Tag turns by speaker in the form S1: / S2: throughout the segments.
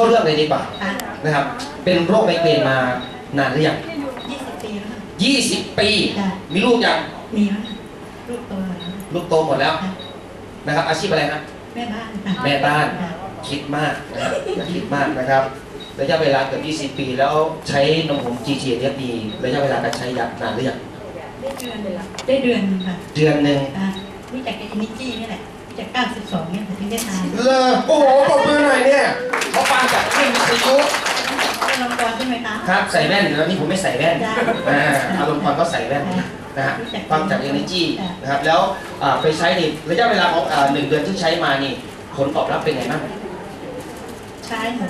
S1: าเรื่องเลยดีกว่านะครับเป็นโรคไมเกรนมานานหรือยัง
S2: 20 ปีแล้วค่ะ
S1: 20 ปีมีลูกยัง
S2: มีแล้วลูกโตหมดแล้ว
S1: ลูกโตหมดแล้วนะครับอาชีพอะไรครับ
S2: แม่บ้าน
S1: แม่บ้านคิดมากนะครับอย่าคิดมากนะครับระยะเวลาเกือบ20 ปีแล้วใช้นมผง GG เนี่ยดีระยะเวลาการใช้ยานานหรือยัง
S2: ได้เดือนเลยได้เดือนนึงค่ะ
S1: เดือนนึง
S2: รู้จักกับอินิจี้นี่แหละรู้จัก92เนี่ยถึงได้ทาน
S1: เลยโอ้โหปรบมือหน่อยเนี่ยเขาฟังจากคลื่นวิทยุ
S2: อารมณ์กรใช่ไหมคะ
S1: ครับใส่แว่นแล้วนี่ผมไม่ใส่แว่นอารมณ์กรก็ใส่แว่นนะฮะฟังจาก Energy นะครับแล้วไปใช้ในระยะเวลาของ1 เดือนที่ใช้มานี่ผลตอบรับเป็นไงบ้าง
S2: ใช้หมด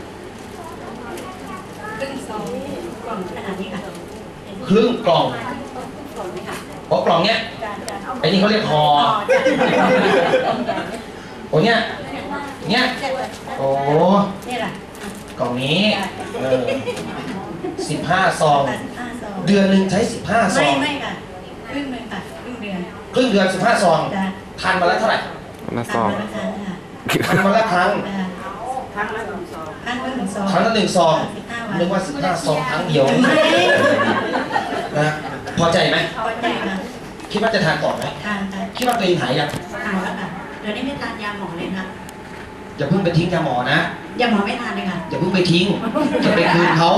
S2: ครึ่งซองกล่องขนาดนี้ค่ะ
S1: ครึ่งกล่องเพราะกล่องเนี้ยไอ้นี่เขาเรียกห่อโอ้เนี้ยโอ้
S2: นี่แหละ
S1: กล่องนี้15 ซองเดือนหนึ่งใช้15 ซอง
S2: ไม่ค่ะครึ่งนึงค่ะครึ่งเ
S1: ดือน15 ซองทานวันละเท่าไหร่
S3: วันละซอง
S1: ทานวันละครั้ง
S2: ครั้งละ1 ซองครั้ง
S1: ละ1 ซองนึกว่า15 ซองครั้งเดียวนะพอใจไหม
S2: พอใจค่ะ
S1: คิดว่าจะทานต่อไหม
S2: ทานค่ะ
S1: คิดว่าตัวเองหายยัง
S2: หายแล้วค่ะเดี๋ยวนี้ไม่ทานยาหมอเลยค่ะ
S1: อย่าเพิ่งไปทิ้งยาหมอนะ
S2: ยาหมอไม่ทานเลยค่ะ
S1: อย่าเพิ่งไปทิ้งจะไปคืนเขา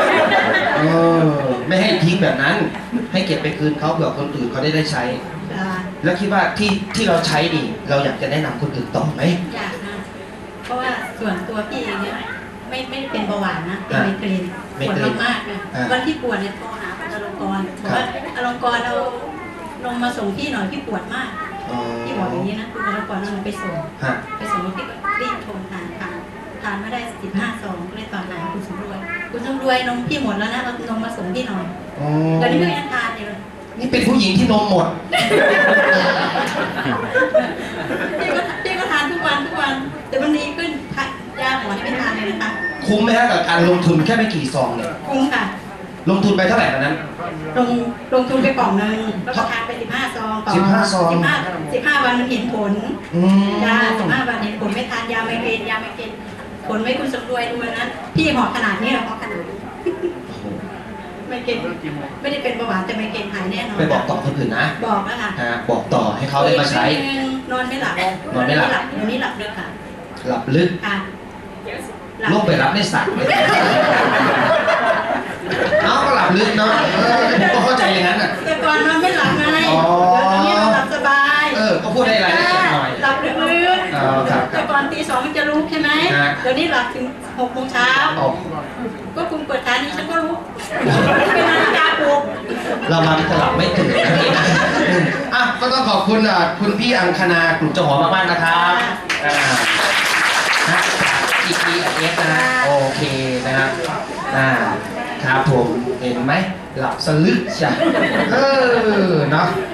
S1: ไม่ให้ทิ้งแบบนั้นให้เก็บไปคืนเขาเผื่อคนอื่นเขาได้ใช้แล้วคิดว่าที่เราใช้ดีเราอยากจะแนะนำคนอื่นต่อไหม
S2: อยากนะเพราะว่าส่วนตัวพี่เองเนี่ยไม่ได้เป็นเบาหวานนะเป็นไมเกรนปวดมากๆเลยวันที่ปวดเนี่ยโทรหาอลงกรบอกว่าอลงกรเราลงมาส่งพี่หน่อยพี่ปวดมากพี่บอกอย่างนี้นะคุณอลงกรเราไปส่งพี่ก็รีบโทรทานไม่ได้15 ซองก็เลยตอนไหนคุณสมรวยนมพี่หมดแล้วนะเอานมมาส่งพี่หน่อยตอนนี้พี่ยังทานอยู่
S1: นี่เป็นผู้หญิงที่นมหมด
S2: พี่ก็ทานทุกวันแต่วันนี้ขึ้นยาหมอที่ไม่ทานเลยนะคะ
S1: คุ้มไหมฮะกับการลงทุนแค่ไม่กี่ซองเนี่ย
S2: คุ้มค่ะ
S1: ลงทุนไปเท่าไหร่ตอนนั้น
S2: ลงทุนไปกล่องนึงแล้วก็ทานไป15 ซองต่อ15 วันมันเห็นผลยา15 วันเห็นผลไม่ทานยาไมเกรนผลไม่คุณสมรวยดูนะพี่หอขนาดนี้หรอหอขนาดไมเกรนไม่ได้เป็นเบาหวานแต่ไมเกรนหายแน่นอน
S1: ไปบอกต่อคนอื่นนะ
S2: บอกแล้วค่ะ
S1: บอกต่อให้เขาได้มาใช้
S2: นอนไม่หลับเดี๋ยวนี้หลับลึกค่ะ
S1: หลับลึกลงไปรับในสัตว์เอาก็หลับลึกเนาะก็เข้าใจอย่างนั้นอ่ะ
S2: แต่ก่อนนอนไม่หลับไงเดี๋ยวนี้หลับสบาย
S1: ก็พูดได้รายละเอียดหน่อย
S2: หลับลึกแต่ก่อนตี 2มันจะลุกใช่ไหมเดี๋ยวนี้หลับถึง6 โมงเช้าก็คุณเปิดทานนี้ฉันก็รู้เป็นนาฬิกาปลุก
S1: เรามันจะหลับไม่ตื่นก็ต้องขอบคุณคุณพี่อังคณากลุ่มเจ้าหอมากๆนะครับGPS นะโอเคนะครับครับผมเห็นไหมหลับสลึกจ้ะเนาะ